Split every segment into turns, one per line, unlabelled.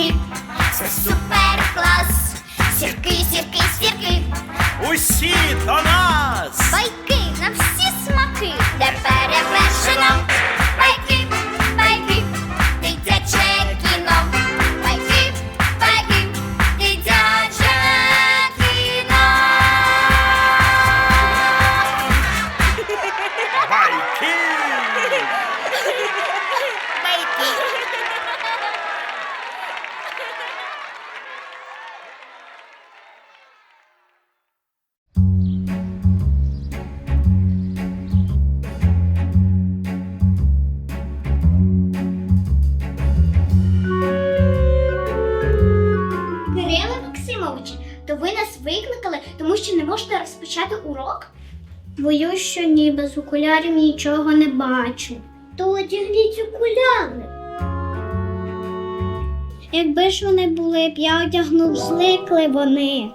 сірки, це супер клас. Сірки, сірки, сірки,
Усі до нас!
байки на всі смаки, де перевершено. Байки, байки, дитяче кіно. Байки, байки, дитяче кіно.
Байки!
Кирило Максимович, то ви нас викликали, тому що не можете розпочати урок? Боюсь, що ні, без окулярів нічого не бачу. То одягніть окуляри. Якби ж вони були б, я одягнув, зникли вони.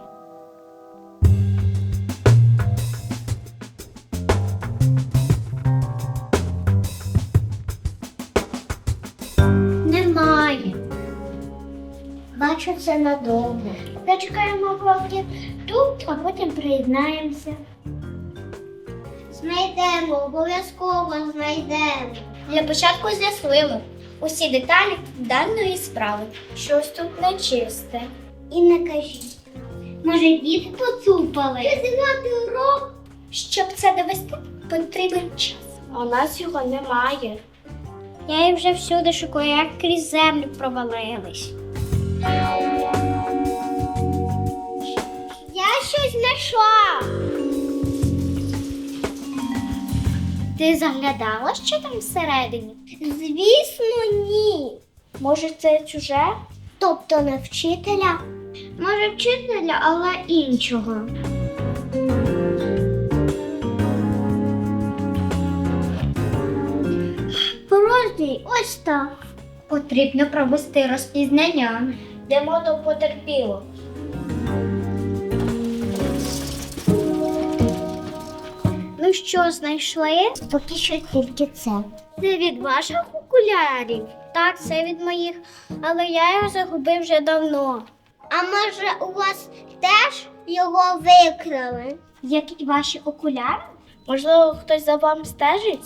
Немає. Бачу, це надовго. Зачекаємо поки тут, а потім приєднаємося. Знайдемо, обов'язково знайдемо. Для початку з'ясуємо усі деталі даної справи. Щось тут нечисте. І не кажіть. Може, діти поцупали? Зіграти урок? Щоб це довести, потрібен час. А у нас його немає. Я їх вже всюди шукаю, як крізь землю провалились. Я щось знайшла. Ти заглядала, що там всередині? Звісно, ні. Може, це чуже? Тобто не вчителя? Може, вчителя, але іншого. Порожній, ось так. Потрібно провести розпізнання. Йдемо до потерпілого. Ну що, знайшли? Поки що тільки це. Це від ваших окулярів? Так, це від моїх, але я його загубив вже давно. А може у вас теж його викрали? Які ваші окуляри? Можливо, хтось за вами стежить?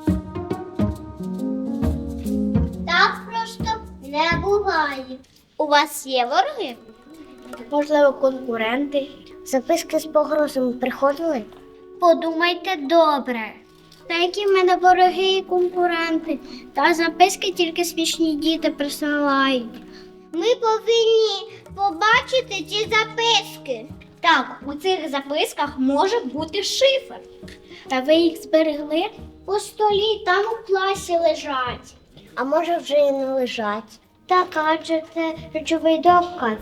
Так просто не буває. У вас є вороги? Можливо, конкуренти. Записки з погрозами приходили? Подумайте добре. Та які в мене вороги і конкуренти? Та записки тільки смішні діти присилають. Ми повинні побачити ці записки. Так, у цих записках може бути шифр. Та ви їх зберегли? У столі, там у класі лежать. А може вже і не лежать. Так, адже це речовий доказ.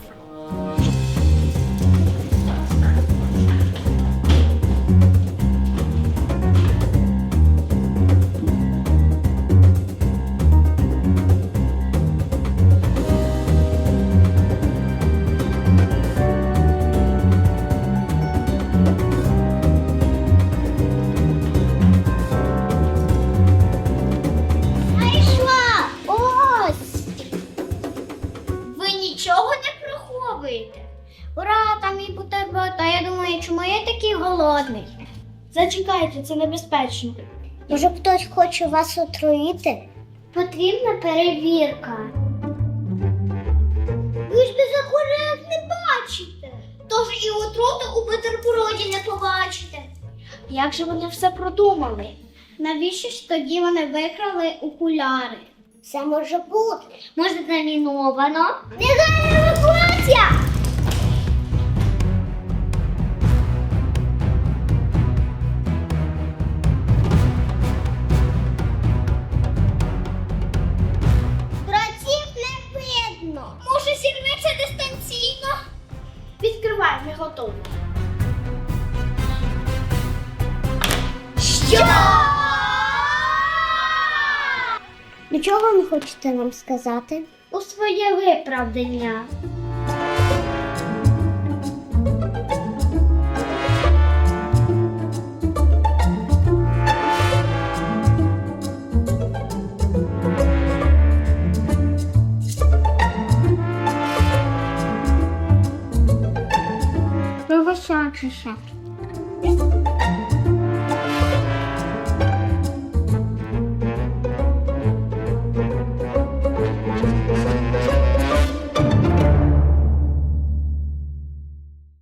Знайшла! Ось! Ви нічого не приховуєте? Ура, там мій бутерброд, а я думаю, чому я такий голодний? Зачекайте, це небезпечно. Може, хтось хоче вас отруїти? Потрібна перевірка. Ви ж без окулярів не бачите. Тож і отруту у бутерброді не побачите. Як же вони все продумали? Навіщо ж тоді вони викрали окуляри? Це може бути. Може, заміновано? Негайна евакуація! Братів не видно. Може, зірветься дистанційно? Відкривай, ми готові. Що? Нічого не хочете нам сказати? У своє виправдання. чи ще?